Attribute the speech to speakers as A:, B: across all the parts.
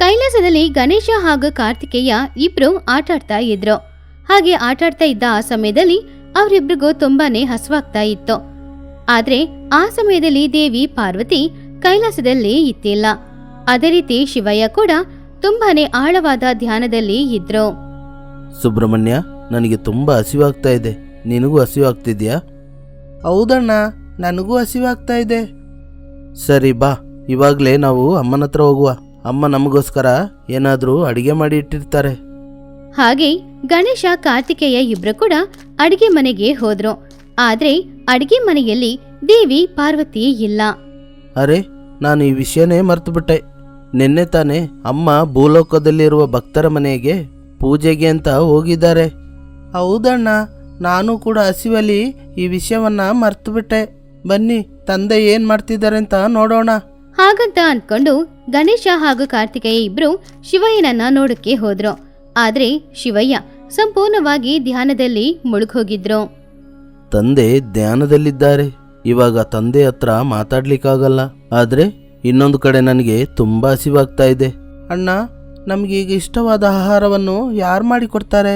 A: ಕೈಲಾಸದಲ್ಲಿ ಗಣೇಶ ಹಾಗೂ ಕಾರ್ತಿಕೇಯ ಇಬ್ರು ಆಟಾಡ್ತಾ ಇದ್ರು. ಹಾಗೆ ಆಟಾಡ್ತಾ ಇದ್ದ ಆ ಸಮಯದಲ್ಲಿ ಅವರಿಬ್ರಿಗೂ ತುಂಬಾನೇ ಹಸುವಾಗ್ತಾ ಇತ್ತು. ಆದ್ರೆ ಆ ಸಮಯದಲ್ಲಿ ದೇವಿ ಪಾರ್ವತಿ ಕೈಲಾಸದಲ್ಲಿ ಇತ್ತಿಲ್ಲ. ಅದೇ ರೀತಿ ಶಿವಯ್ಯ ಕೂಡ ತುಂಬಾನೇ ಆಳವಾದ ಧ್ಯಾನದಲ್ಲಿ ಇದ್ರು.
B: ಸುಬ್ರಹ್ಮಣ್ಯ, ನನಗೆ ತುಂಬಾ ಹಸಿವಾಗ್ತಾ ಇದೆ. ನಿನಗೂ ಹಸಿವಾಗ್ತಿದ್ಯಾ?
C: ಹೌದಣ್ಣ, ನನಗೂ ಹಸಿವಾಗ್ತಾ ಇದೆ.
B: ಸರಿ ಬಾ, ಇವಾಗಲೇ ನಾವು ಅಮ್ಮನ ಹತ್ರ ಹೋಗುವ. ಅಮ್ಮ ನಮಗೋಸ್ಕರ ಏನಾದರೂ ಅಡಿಗೆ ಮಾಡಿ ಇಟ್ಟಿರ್ತಾರೆ.
A: ಹಾಗೆ ಗಣೇಶ ಕಾರ್ತಿಕೇಯ ಇಬ್ರು ಕೂಡ ಅಡಿಗೆ ಮನೆಗೆ ಹೋದ್ರು. ಆದ್ರೆ ಅಡಿಗೆ ಮನೆಯಲ್ಲಿ ದೇವಿ ಪಾರ್ವತಿ ಇಲ್ಲ.
B: ಅರೆ, ನಾನು ಈ ವಿಷಯನೇ ಮರ್ತುಬಿಟ್ಟೆ. ನಿನ್ನೆ ತಾನೇ ಅಮ್ಮ ಭೂಲೋಕದಲ್ಲಿರುವ ಭಕ್ತರ ಮನೆಗೆ ಪೂಜೆಗೆ ಅಂತ ಹೋಗಿದ್ದಾರೆ.
C: ಹೌದಣ್ಣ, ನಾನು ಕೂಡ ಹಸಿವಲ್ಲಿ ಈ ವಿಷಯವನ್ನ ಮರ್ತುಬಿಟ್ಟೆ. ಬನ್ನಿ, ತಂದೆ ಏನ್ ಮಾಡ್ತಿದ್ದಾರೆ ಅಂತ ನೋಡೋಣ.
A: ಹಾಗಂತ ಅಂದ್ಕೊಂಡು ಗಣೇಶ ಹಾಗೂ ಕಾರ್ತಿಕೇಯ ಇಬ್ರು ಶಿವಯ್ಯನನ್ನ ನೋಡಕ್ಕೆ ಹೋದ್ರು. ಆದ್ರೆ ಶಿವಯ್ಯ ಸಂಪೂರ್ಣವಾಗಿ ಧ್ಯಾನದಲ್ಲಿ ಮುಳುಗೋಗಿದ್ರು.
B: ತಂದೆ ಧ್ಯಾನದಲ್ಲಿದ್ದಾರೆ. ಇವಾಗ ತಂದೆ ಹತ್ರ ಮಾತಾಡ್ಲಿಕ್ಕಾಗಲ್ಲ. ಆದ್ರೆ ಇನ್ನೊಂದು ಕಡೆ ನನಗೆ ತುಂಬಾ ಹಸಿವಾಗ್ತಾ ಇದೆ.
C: ಅಣ್ಣ, ನಮ್ಗೀಗ ಇಷ್ಟವಾದ ಆಹಾರವನ್ನು ಯಾರು ಮಾಡಿಕೊಡ್ತಾರೆ?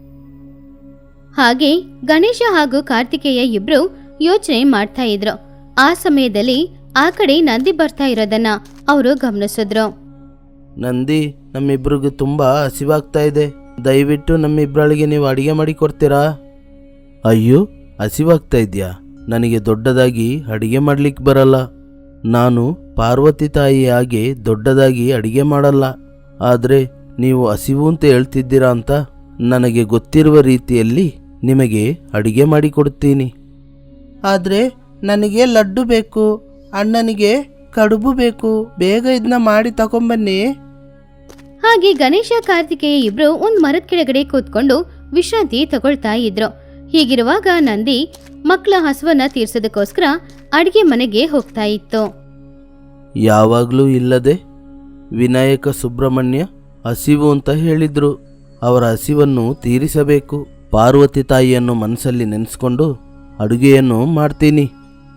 A: ಹಾಗೆ ಗಣೇಶ ಹಾಗೂ ಕಾರ್ತಿಕೇಯ ಇಬ್ರು ಯೋಚನೆ ಮಾಡ್ತಾ ಇದ್ರು. ಆ ಸಮಯದಲ್ಲಿ ಆ ಕಡೆ ನಂದಿ ಬರ್ತಾ ಇರೋದನ್ನ ಅವರು ಗಮನಿಸಿದ್ರು.
B: ನಂದಿ, ನಮ್ಮಿಬ್ರಿಗೂ ತುಂಬಾ ಹಸಿವಾಗ್ತಾ ಇದೆ. ದಯವಿಟ್ಟು ನಮ್ಮಿಬ್ಬರಳಿಗೆ ನೀವು ಅಡಿಗೆ ಮಾಡಿ ಕೊಡ್ತೀರಾ? ಅಯ್ಯೋ, ಹಸಿವಾಗ್ತಾ ಇದೆಯಾ? ನನಗೆ ದೊಡ್ಡದಾಗಿ ಅಡಿಗೆ ಮಾಡ್ಲಿಕ್ಕೆ ಬರಲ್ಲ. ನಾನು ಪಾರ್ವತಿ ತಾಯಿ ಹಾಗೆ ದೊಡ್ಡದಾಗಿ ಅಡಿಗೆ ಮಾಡಲ್ಲ. ಆದರೆ ನೀವು ಹಸಿವು ಅಂತ ಹೇಳ್ತಿದ್ದೀರಾ ಅಂತ ನನಗೆ ಗೊತ್ತಿರುವ ರೀತಿಯಲ್ಲಿ ನಿಮಗೆ ಅಡಿಗೆ ಮಾಡಿಕೊಡ್ತೀನಿ.
C: ಆದರೆ ನನಗೆ ಲಡ್ಡು ಬೇಕು, ಅಣ್ಣನಿಗೆ ಕಡುಬು ಬೇಕು. ಬೇಗ ಇದನ್ನ ಮಾಡಿ ತಗೊಂಬನ್ನಿ.
A: ಹಾಗೆ ಗಣೇಶ ಕಾರ್ತಿಕೇಯ ಇಬ್ರು ಒಂದ್ ಮರದ ಕೆಳಗಡೆ ಕೂತ್ಕೊಂಡು ವಿಶ್ರಾಂತಿ ತಗೊಳ್ತಾ ಇದ್ರು. ಹೀಗಿರುವಾಗ ನಂದಿ ಮಕ್ಕಳ ಹಸುವನ್ನ ತೀರ್ಸೋದಕ್ಕೋಸ್ಕರ ಅಡಿಗೆ ಮನೆಗೆ ಹೋಗ್ತಾ ಇತ್ತು.
B: ಯಾವಾಗಲೂ ಇಲ್ಲದೆ ವಿನಾಯಕ ಸುಬ್ರಹ್ಮಣ್ಯ ಹಸಿವು ಅಂತ ಹೇಳಿದ್ರು. ಅವರ ಹಸಿವನ್ನು ತೀರಿಸಬೇಕು. ಪಾರ್ವತಿ ತಾಯಿಯನ್ನು ಮನಸ್ಸಲ್ಲಿ ನೆನೆಸ್ಕೊಂಡು ಅಡುಗೆಯನ್ನು ಮಾಡ್ತೀನಿ.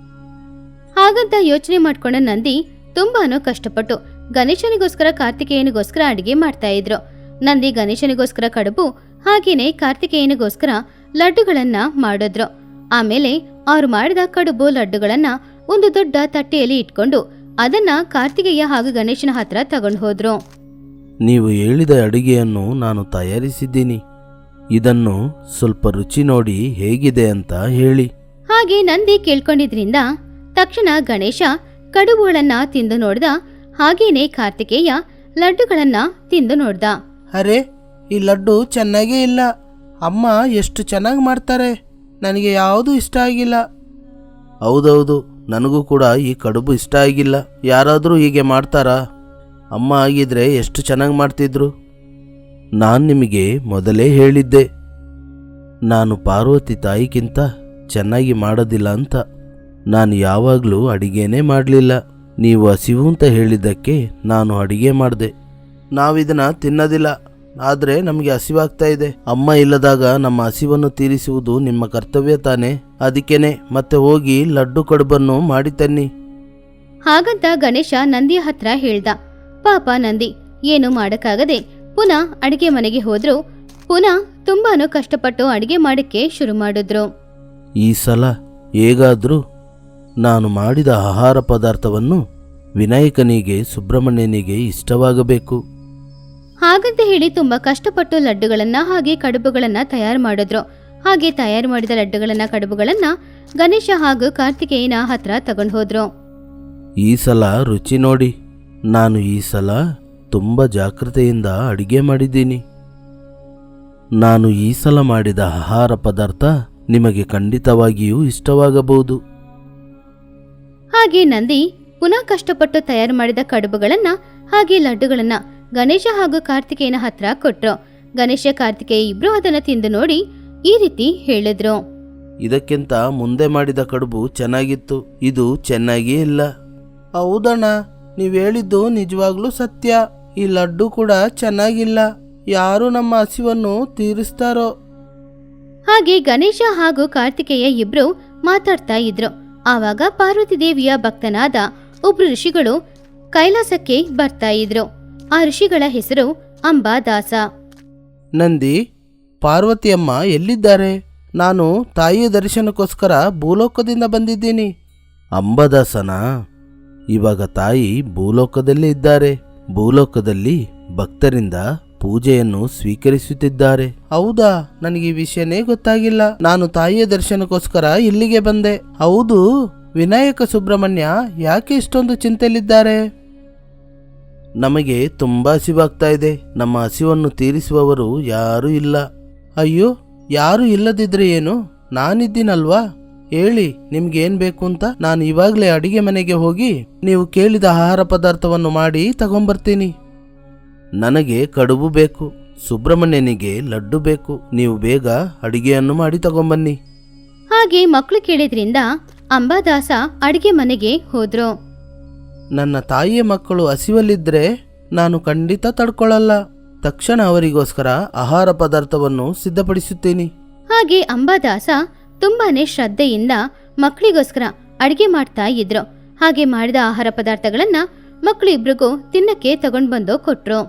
A: ಹಾಗಂತ ಯೋಚನೆ ಮಾಡ್ಕೊಂಡ ನಂದಿ ತುಂಬಾನು ಕಷ್ಟಪಟ್ಟು ಗಣೇಶನಿಗೋಸ್ಕರ ಕಾರ್ತಿಕೇಯನಿಗೋಸ್ಕರ ಅಡಿಗೆ ಮಾಡ್ತಾ ಇದ್ರು. ನಂದಿ ಗಣೇಶನಿಗೋಸ್ಕರ ಕಡುಬು ಹಾಗೇನೆ ಕಾರ್ತಿಕೇಯನಿಗೋಸ್ಕರ ಲಡ್ಡುಗಳನ್ನ ಮಾಡಿದ್ರು. ಆಮೇಲೆ ಅವ್ರು ಮಾಡಿದ ಕಡುಬು ಲಡ್ಡುಗಳನ್ನ ಒಂದು ದೊಡ್ಡ ತಟ್ಟೆಯಲ್ಲಿ ಇಟ್ಕೊಂಡು ಅದನ್ನ ಕಾರ್ತಿಕೇಯ ಹಾಗೂ ಗಣೇಶನ ಹತ್ರ ತಗೊಂಡು ಹೋದ್ರು.
B: ನೀವು ಹೇಳಿದ ಅಡುಗೆಯನ್ನು ನಾನು ತಯಾರಿಸಿದ್ದೀನಿ. ಇದನ್ನು ಸ್ವಲ್ಪ ರುಚಿ ನೋಡಿ ಹೇಗಿದೆ ಅಂತ ಹೇಳಿ.
A: ಹಾಗೆ ನಂದಿ ಕೇಳ್ಕೊಂಡಿದ್ರಿಂದ ತಕ್ಷಣ ಗಣೇಶ ಕಡುಬುಗಳನ್ನ ತಿಂದು ನೋಡ್ದ. ಹಾಗೇನೆ ಕಾರ್ತಿಕೇಯ ಲಡ್ಡುಗಳನ್ನ ತಿಂದು ನೋಡ್ದ.
C: ಅರೆ, ಈ ಲಡ್ಡು ಚೆನ್ನಾಗೇ ಇಲ್ಲ. ಅಮ್ಮ ಎಷ್ಟು ಚೆನ್ನಾಗಿ ಮಾಡ್ತಾರೆ. ನನಗೆ ಯಾವುದು ಇಷ್ಟ ಆಗಿಲ್ಲ.
B: ಹೌದೌದು, ನನಗೂ ಕೂಡ ಈ ಕಡುಬು ಇಷ್ಟ ಆಗಿಲ್ಲ. ಯಾರಾದರೂ ಹೀಗೆ ಮಾಡ್ತಾರಾ? ಅಮ್ಮ ಆಗಿದ್ರೆ ಎಷ್ಟು ಚೆನ್ನಾಗಿ ಮಾಡ್ತಿದ್ರು. ನಾನು ನಿಮಗೆ ಮೊದಲೇ ಹೇಳಿದ್ದೆ, ನಾನು ಪಾರ್ವತಿ ತಾಯಿಗಿಂತ ಚೆನ್ನಾಗಿ ಮಾಡೋದಿಲ್ಲ ಅಂತ. ನಾನು ಯಾವಾಗಲೂ ಅಡಿಗೆನೇ ಮಾಡಲಿಲ್ಲ. ನೀವು ಹಸಿವು ಅಂತ ಹೇಳಿದ್ದಕ್ಕೆ ನಾನು ಅಡಿಗೆ ಮಾಡಿದೆ. ನಾವಿದನ್ನ ತಿನ್ನೋದಿಲ್ಲ, ಆದರೆ ನಮಗೆ ಹಸಿವಾಗ್ತಾ ಇದೆ. ಅಮ್ಮ ಇಲ್ಲದಾಗ ನಮ್ಮ ಹಸಿವನ್ನು ತೀರಿಸುವುದು ನಿಮ್ಮ ಕರ್ತವ್ಯ ತಾನೆ. ಅದಕ್ಕೇನೆ ಮತ್ತೆ ಹೋಗಿ ಲಡ್ಡು ಕಡುಬನ್ನು ಮಾಡಿ ತನ್ನಿ.
A: ಹಾಗಂತ ಗಣೇಶ ನಂದಿಯ ಹತ್ರ ಹೇಳ್ದ. ಪಾಪ ನಂದಿ ಏನು ಮಾಡಕ್ಕಾಗದೆ ಪುನಃ ಅಡಿಗೆ ಮನೆಗೆ ಹೋದ್ರು. ಪುನಃ ತುಂಬಾನು ಕಷ್ಟಪಟ್ಟು ಅಡಿಗೆ ಮಾಡಕ್ಕೆ ಶುರು ಮಾಡಿದ್ರು.
B: ಈ ಸಲ ಹೇಗಾದ್ರೂ ನಾನು ಮಾಡಿದ ಆಹಾರ ಪದಾರ್ಥವನ್ನು ವಿನಾಯಕನಿಗೆ ಸುಬ್ರಹ್ಮಣ್ಯನಿಗೆ ಇಷ್ಟವಾಗಬೇಕು.
A: ಹಾಗಂತ ಹೇಳಿ ತುಂಬಾ ಕಷ್ಟಪಟ್ಟು ಲಡ್ಡುಗಳನ್ನ ಹಾಗೆ ಕಡುಬುಗಳನ್ನ ತಯಾರು ಮಾಡಿದ್ರು. ಹಾಗೆ ತಯಾರು ಮಾಡಿದ ಲಡ್ಡುಗಳನ್ನ ಕಡುಬುಗಳನ್ನ ಗಣೇಶ ಹಾಗೂ ಕಾರ್ತಿಕೇಯನ ಹತ್ರ ತಗೊಂಡು ಹೋದ್ರು.
B: ಈ ಸಲ ರುಚಿ ನೋಡಿ. ನಾನು ಈ ಸಲ ತುಂಬ ಜಾಗೃತೆಯಿಂದ ಅಡಿಗೆ ಮಾಡಿದ್ದೀನಿ. ನಾನು ಈ ಸಲ ಮಾಡಿದ ಆಹಾರ ಪದಾರ್ಥ ನಿಮಗೆ ಖಂಡಿತವಾಗಿಯೂ ಇಷ್ಟವಾಗಬಹುದು.
A: ಹಾಗೆ ನಂದಿ ಪುನಃ ಕಷ್ಟಪಟ್ಟು ತಯಾರು ಮಾಡಿದ ಕಡುಬುಗಳನ್ನ ಹಾಗೆ ಲಡ್ಡುಗಳನ್ನ ಗಣೇಶ ಹಾಗೂ ಕಾರ್ತಿಕೇಯನ ಹತ್ರ ಕೊಟ್ರು. ಗಣೇಶ ಕಾರ್ತಿಕೇಯ ಇಬ್ರು ಅದನ್ನ ತಿಂದು ನೋಡಿ ಈ ರೀತಿ ಹೇಳಿದ್ರು.
B: ಇದಕ್ಕಿಂತ ಮುಂದೆ ಮಾಡಿದ ಕಡುಬು ಚೆನ್ನಾಗಿತ್ತು, ಇದು ಚೆನ್ನಾಗಿಯೇ ಇಲ್ಲ.
C: ಹೌದಣ್ಣ, ನೀವು ಹೇಳಿದ್ದು ನಿಜವಾಗ್ಲೂ ಸತ್ಯ. ಈ ಲಡ್ಡು ಕೂಡ ಚೆನ್ನಾಗಿಲ್ಲ. ಯಾರು ನಮ್ಮ ಹಸಿವನ್ನು ತೀರಿಸ್ತಾರೋ?
A: ಹಾಗೆ ಗಣೇಶ ಹಾಗೂ ಕಾರ್ತಿಕೇಯ ಇಬ್ರು ಮಾತಾಡ್ತಾ ಇದ್ರು. ಆವಾಗ ಪಾರ್ವತಿ ದೇವಿಯ ಭಕ್ತನಾದ ಒಬ್ರು ಋಷಿಗಳು ಕೈಲಾಸಕ್ಕೆ ಬರ್ತಾ ಇದ್ರು. ಆ ಋಷಿಗಳ ಹೆಸರು ಅಂಬಾದಾಸ.
C: ನಂದಿ, ಪಾರ್ವತಿಯಮ್ಮ ಎಲ್ಲಿದ್ದಾರೆ? ನಾನು ತಾಯಿಯ ದರ್ಶನಕ್ಕೋಸ್ಕರ ಭೂಲೋಕದಿಂದ ಬಂದಿದ್ದೀನಿ.
B: ಅಂಬಾದಾಸನ, ಇವಾಗ ತಾಯಿ ಭೂಲೋಕದಲ್ಲೇ ಇದ್ದಾರೆ. ಭೂಲೋಕದಲ್ಲಿ ಭಕ್ತರಿಂದ ಪೂಜೆಯನ್ನು ಸ್ವೀಕರಿಸುತ್ತಿದ್ದಾರೆ.
C: ಹೌದಾ? ನನಗೆ ಈ ವಿಷಯನೇ ಗೊತ್ತಾಗಿಲ್ಲ. ನಾನು ತಾಯಿಯ ದರ್ಶನಕ್ಕೋಸ್ಕರ ಇಲ್ಲಿಗೆ ಬಂದೆ. ಹೌದು, ವಿನಾಯಕ ಸುಬ್ರಹ್ಮಣ್ಯ ಯಾಕೆ ಇಷ್ಟೊಂದು ಚಿಂತೆಯಲ್ಲಿದ್ದಾರೆ?
B: ನಮಗೆ ತುಂಬಾ ಹಸಿವಾಗ್ತಾ ಇದೆ. ನಮ್ಮ ಹಸಿವನ್ನು ತೀರಿಸುವವರು ಯಾರೂ ಇಲ್ಲ.
C: ಅಯ್ಯೋ, ಯಾರು ಇಲ್ಲದಿದ್ರೆ ಏನು? ನಾನಿದ್ದೀನಲ್ವಾ? ಹೇಳಿ, ನಿಮ್ಗೇನ್ ಬೇಕು ಅಂತ. ನಾನು ಇವಾಗಲೇ ಅಡಿಗೆ ಮನೆಗೆ ಹೋಗಿ ನೀವು ಕೇಳಿದ ಆಹಾರ ಪದಾರ್ಥವನ್ನು ಮಾಡಿ ತಗೊಂಬರ್ತೀನಿ.
B: ನನಗೆ ಕಡುಬು ಬೇಕು, ಸುಬ್ರಹ್ಮಣ್ಯನಿಗೆ ಲಡ್ಡು ಬೇಕು. ನೀವು ಬೇಗ ಅಡಿಗೆಯನ್ನು ಮಾಡಿ ತಗೊಂಬನ್ನಿ.
A: ಹಾಗೆ ಮಕ್ಕಳು ಕೇಳಿದ್ರಿಂದ ಅಂಬಾದಾಸ ಅಡಿಗೆ ಮನೆಗೆ ಹೋದ್ರು.
C: ನನ್ನ ತಾಯಿಯ ಮಕ್ಕಳು ಹಸಿವಲ್ಲಿದ್ರೆ ನಾನು ಖಂಡಿತ ತಡ್ಕೊಳ್ಳಲ್ಲ. ತಕ್ಷಣ ಅವರಿಗೋಸ್ಕರ ಆಹಾರ ಪದಾರ್ಥವನ್ನು ಸಿದ್ಧಪಡಿಸುತ್ತೀನಿ.
A: ಹಾಗೆ ಅಂಬಾದಾಸ ತುಂಬಾನೇ ಶ್ರದ್ಧೆಯಿಂದ ಮಕ್ಕಳಿಗೋಸ್ಕರ ಅಡಿಗೆ ಮಾಡ್ತಾ ಇದ್ರು. ಹಾಗೆ ಮಾಡಿದ ಆಹಾರ ಪದಾರ್ಥಗಳನ್ನ ಮಕ್ಕಳು ಇಬ್ರಿಗೂ ತಿನ್ನಕ್ಕೆ ತಗೊಂಡ್ ಬಂದು ಕೊಟ್ರು.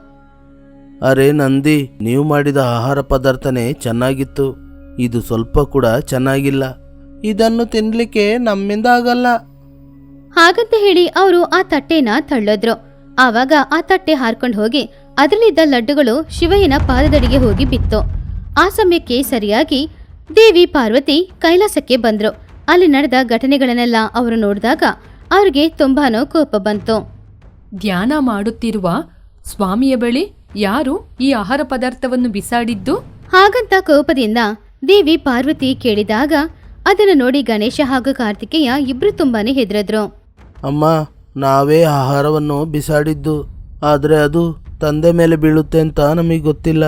B: ಅರೆ ನಂದಿ, ನೀವು ಮಾಡಿದ ಆಹಾರ ಪದಾರ್ಥನೇ ಚೆನ್ನಾಗಿತ್ತು. ಇದು ಸ್ವಲ್ಪ ಕೂಡ ಚೆನ್ನಾಗಿಲ್ಲ.
C: ಇದನ್ನು ತಿನ್ಲಿಕ್ಕೆ ನಮ್ಮಿಂದ ಆಗಲ್ಲ.
A: ಹಾಗಂತ ಹೇಳಿ ಅವರು ಆ ತಟ್ಟೆನ ತಳ್ಳೋದ್ರು. ಆವಾಗ ಆ ತಟ್ಟೆ ಹಾರ್ಕೊಂಡು ಹೋಗಿ ಅದರಲ್ಲಿದ್ದ ಲಡ್ಡುಗಳು ಶಿವಯ್ಯನ ಪಾದದಡಿಗೆ ಹೋಗಿ ಬಿತ್ತು. ಆ ಸಮಯಕ್ಕೆ ಸರಿಯಾಗಿ ದೇವಿ ಪಾರ್ವತಿ ಕೈಲಾಸಕ್ಕೆ ಬಂದ್ರು. ಅಲ್ಲಿ ನಡೆದ ಘಟನೆಗಳನ್ನೆಲ್ಲ ಅವರು ನೋಡಿದಾಗ ಅವ್ರಿಗೆ ತುಂಬಾನೋ ಕೋಪ ಬಂತು.
D: ಧ್ಯಾನ ಮಾಡುತ್ತಿರುವ ಸ್ವಾಮಿಯ ಬಳಿ ಯಾರು ಈ ಆಹಾರ ಪದಾರ್ಥವನ್ನು ಬಿಸಾಡಿದ್ದು?
A: ಹಾಗಂತ ಕೋಪದಿಂದ ದೇವಿ ಪಾರ್ವತಿ ಕೇಳಿದಾಗ ಅದನ್ನು ನೋಡಿ ಗಣೇಶ ಹಾಗೂ ಕಾರ್ತಿಕೇಯ ಇಬ್ರು ತುಂಬಾನೇ ಹೆದರಿದ್ರು.
C: ಅಮ್ಮ, ನಾವೇ ಆಹಾರವನ್ನು ಬಿಸಾಡಿದ್ದು. ಆದರೆ ಅದು ತಂದೆ ಮೇಲೆ ಬೀಳುತ್ತೆ ಅಂತ ನಮಗೆ ಗೊತ್ತಿಲ್ಲ.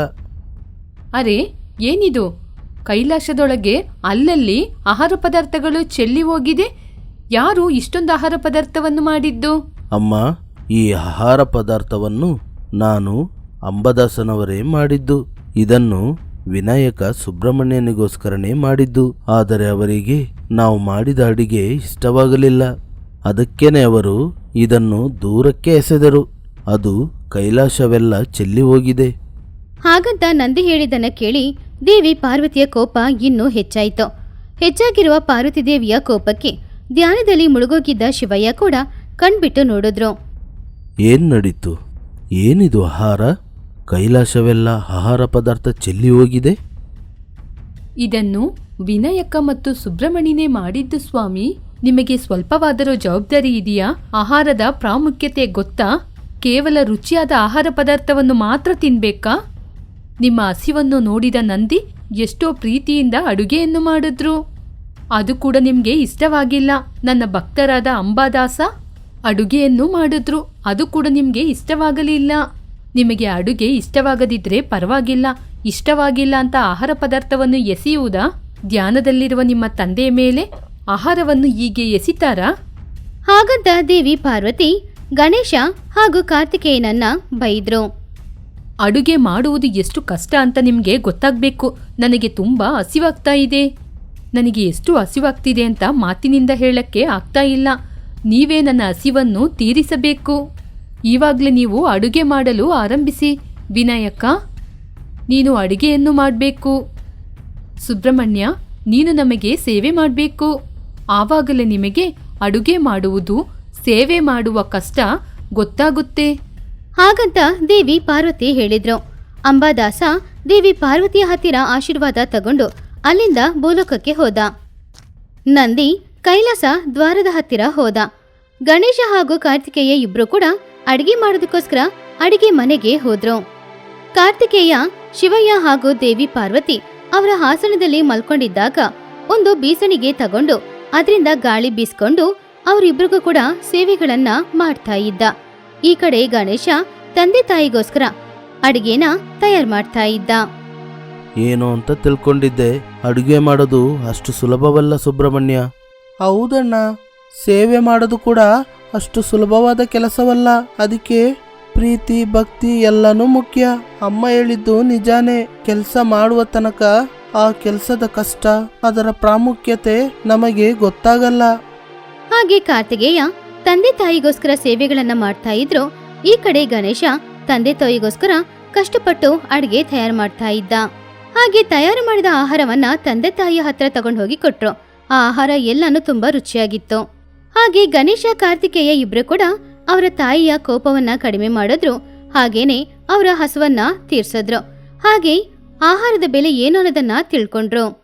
D: ಅರೆ, ಏನಿದು? ಕೈಲಾಸದೊಳಗೆ ಅಲ್ಲಲ್ಲಿ ಆಹಾರ ಪದಾರ್ಥಗಳು ಚೆಲ್ಲಿ ಹೋಗಿದೆ. ಯಾರು ಇಷ್ಟೊಂದು ಆಹಾರ ಪದಾರ್ಥವನ್ನು ಮಾಡಿದ್ದು?
B: ಅಮ್ಮ, ಈ ಆಹಾರ ಪದಾರ್ಥವನ್ನು ನಾನು ಅಂಬಾದಾಸನವರೇ ಮಾಡಿದ್ದು. ಇದನ್ನು ವಿನಾಯಕ ಸುಬ್ರಹ್ಮಣ್ಯನಿಗೋಸ್ಕರನೇ ಮಾಡಿದ್ದು. ಆದರೆ ಅವರಿಗೆ ನಾವು ಮಾಡಿದ ಅಡಿಗೆ ಇಷ್ಟವಾಗಲಿಲ್ಲ. ಅದಕ್ಕೇನೆ ಅವರು ಇದನ್ನು ದೂರಕ್ಕೆ ಎಸೆದರು. ಅದು ಕೈಲಾಸವೆಲ್ಲ ಚೆಲ್ಲಿ ಹೋಗಿದೆ.
A: ಹಾಗಂತ ನಂದಿ ಹೇಳಿದ್ದನ್ನ ಕೇಳಿ ದೇವಿ ಪಾರ್ವತಿಯ ಕೋಪ ಇನ್ನೂ ಹೆಚ್ಚಾಯಿತು. ಹೆಚ್ಚಾಗಿರುವ ಪಾರ್ವತಿ ದೇವಿಯ ಕೋಪಕ್ಕೆ ಧ್ಯಾನದಲ್ಲಿ ಮುಳುಗೋಗಿದ್ದ ಶಿವಯ್ಯ ಕೂಡ ಕಣ್ಬಿಟ್ಟು ನೋಡಿದ್ರು.
B: ಏನ್ ನಡೀತು? ಏನಿದು ಆಹಾರ? ಕೈಲಾಸವೆಲ್ಲ ಆಹಾರ ಪದಾರ್ಥ ಚೆಲ್ಲಿ ಹೋಗಿದೆ.
D: ಇದನ್ನು ವಿನಾಯಕ ಮತ್ತು ಸುಬ್ರಹ್ಮಣ್ಯನೇ ಮಾಡಿದ್ದು ಸ್ವಾಮಿ. ನಿಮಗೆ ಸ್ವಲ್ಪವಾದರೂ ಜವಾಬ್ದಾರಿ ಇದೆಯಾ? ಆಹಾರದ ಪ್ರಾಮುಖ್ಯತೆ ಗೊತ್ತಾ? ಕೇವಲ ರುಚಿಯಾದ ಆಹಾರ ಪದಾರ್ಥವನ್ನು ಮಾತ್ರ ತಿನ್ಬೇಕಾ? ನಿಮ್ಮ ಹಸಿವನ್ನು ನೋಡಿದ ನಂದಿ ಎಷ್ಟೋ ಪ್ರೀತಿಯಿಂದ ಅಡುಗೆಯನ್ನು ಮಾಡಿದ್ರು. ಅದು ಕೂಡ ನಿಮ್ಗೆ ಇಷ್ಟವಾಗಿಲ್ಲ. ನನ್ನ ಭಕ್ತರಾದ ಅಂಬಾದಾಸ ಅಡುಗೆಯನ್ನು ಮಾಡಿದ್ರು. ಅದು ಕೂಡ ನಿಮ್ಗೆ ಇಷ್ಟವಾಗಲಿಲ್ಲ. ನಿಮಗೆ ಅಡುಗೆ ಇಷ್ಟವಾಗದಿದ್ರೆ ಪರವಾಗಿಲ್ಲ. ಇಷ್ಟವಾಗಿಲ್ಲ ಅಂತ ಆಹಾರ ಪದಾರ್ಥವನ್ನು ಎಸೆಯುವುದಾ? ಧ್ಯಾನದಲ್ಲಿರುವ ನಿಮ್ಮ ತಂದೆಯ ಮೇಲೆ ಆಹಾರವನ್ನು ಹೀಗೆ ಎಸಿತಾರಾ?
A: ಹಾಗಂತ ದೇವಿ ಪಾರ್ವತಿ ಗಣೇಶ ಹಾಗೂ ಕಾರ್ತಿಕೇಯನನ್ನ ಬೈದ್ರು.
D: ಅಡುಗೆ ಮಾಡುವುದು ಎಷ್ಟು ಕಷ್ಟ ಅಂತ ನಿಮಗೆ ಗೊತ್ತಾಗಬೇಕು. ನನಗೆ ತುಂಬ ಹಸಿವಾಗ್ತಾ ಇದೆ. ನನಗೆ ಎಷ್ಟು ಹಸಿವಾಗ್ತಿದೆ ಅಂತ ಮಾತಿನಿಂದ ಹೇಳಕ್ಕೆ ಆಗ್ತಾ ಇಲ್ಲ. ನೀವೇ ನನ್ನ ಹಸಿವನ್ನು ತೀರಿಸಬೇಕು. ಈವಾಗಲೇ ನೀವು ಅಡುಗೆ ಮಾಡಲು ಆರಂಭಿಸಿ. ವಿನಾಯಕ, ನೀನು ಅಡುಗೆಯನ್ನು ಮಾಡಬೇಕು. ಸುಬ್ರಹ್ಮಣ್ಯ, ನೀನು ನಮಗೆ ಸೇವೆ ಮಾಡಬೇಕು. ಆವಾಗಲೇ ನಿಮಗೆ ಅಡುಗೆ ಮಾಡುವುದು, ಸೇವೆ ಮಾಡುವ ಕಷ್ಟ ಗೊತ್ತಾಗುತ್ತೆ.
A: ಹಾಗಂತ ದೇವಿ ಪಾರ್ವತಿ ಹೇಳಿದ್ರು. ಅಂಬಾದಾಸ ದೇವಿ ಪಾರ್ವತಿಯ ಹತ್ತಿರ ಆಶೀರ್ವಾದ ತಗೊಂಡು ಅಲ್ಲಿಂದ ಭೂಲೋಕಕ್ಕೆ ಹೋದ. ನಂದಿ ಕೈಲಾಸ ದ್ವಾರದ ಹತ್ತಿರ ಹೋದ. ಗಣೇಶ ಹಾಗೂ ಕಾರ್ತಿಕೇಯ ಇಬ್ರು ಕೂಡ ಅಡಿಗೆ ಮಾಡೋದಕ್ಕೋಸ್ಕರ ಅಡಿಗೆ ಮನೆಗೆ ಹೋದ್ರು. ಕಾರ್ತಿಕೇಯ ಶಿವಯ್ಯ ಹಾಗೂ ದೇವಿ ಪಾರ್ವತಿ ಅವರ ಹಾಸನದಲ್ಲಿ ಮಲ್ಕೊಂಡಿದ್ದಾಗ ಒಂದು ಬೀಸಣಿಗೆ ತಗೊಂಡು ಅದರಿಂದ ಗಾಳಿ ಬೀಸ್ಕೊಂಡು ಅವರಿಬ್ರಿಗೂ ಕೂಡ ಸೇವೆಗಳನ್ನ ಮಾಡ್ತಾ ಇದ್ದ. ಈ ಕಡೆ ಗಣೇಶ ತಂದೆ ತಾಯಿಗೋಸ್ಕರ ಅಡಿಗೆನ ತಯಾರು ಮಾಡ್ತಾ ಇದ್ದ.
B: ಏನು ಅಂತ ತಿಳ್ಕೊಂಡಿದ್ದೆ. ಅಡುಗೆ ಮಾಡೋದು ಅಷ್ಟು ಸುಲಭವಲ್ಲ ಸುಬ್ರಹ್ಮಣ್ಯ.
C: ಹೌದಣ್ಣ, ಸೇವೆ ಮಾಡೋದು ಕೂಡ ಅಷ್ಟು ಸುಲಭವಾದ ಕೆಲಸವಲ್ಲ. ಅದಕ್ಕೆ ಪ್ರೀತಿ, ಭಕ್ತಿ ಎಲ್ಲನೂ ಮುಖ್ಯ. ಅಮ್ಮ ಹೇಳಿದ್ದು ನಿಜಾನೇ. ಕೆಲಸ ಮಾಡುವ ತನಕ ಆ ಕೆಲಸದ ಕಷ್ಟ, ಅದರ ಪ್ರಾಮುಖ್ಯತೆ ನಮಗೆ ಗೊತ್ತಾಗಲ್ಲ.
A: ಹಾಗೆ ಕಾರ್ತಿಕೇಯ ತಂದೆ ತಾಯಿಗೋಸ್ಕರ ಸೇವೆಗಳನ್ನ ಮಾಡ್ತಾ ಇದ್ರು. ಈ ಕಡೆ ಗಣೇಶ ತಂದೆ ತಾಯಿಗೋಸ್ಕರ ಕಷ್ಟಪಟ್ಟು ಅಡಿಗೆ ತಯಾರು ಮಾಡ್ತಾ ಇದ್ದ. ಹಾಗೆ ತಯಾರು ಮಾಡಿದ ಆಹಾರವನ್ನ ತಂದೆ ತಾಯಿಯ ಹತ್ರ ತಗೊಂಡು ಹೋಗಿ ಕೊಟ್ರು. ಆ ಆಹಾರ ಎಲ್ಲಾನು ತುಂಬಾ ರುಚಿಯಾಗಿತ್ತು. ಹಾಗೆ ಗಣೇಶ ಕಾರ್ತಿಕೇಯ ಇಬ್ರು ಕೂಡ ಅವರ ತಾಯಿಯ ಕೋಪವನ್ನ ಕಡಿಮೆ ಮಾಡಿದ್ರು. ಹಾಗೇನೆ ಅವರ ಹಸುವನ್ನ ತೀರ್ಸಿದ್ರು. ಹಾಗೆ ಆಹಾರದ ಬೆಲೆ ಏನು ಅನ್ನೋದನ್ನ ತಿಳ್ಕೊಂಡ್ರು.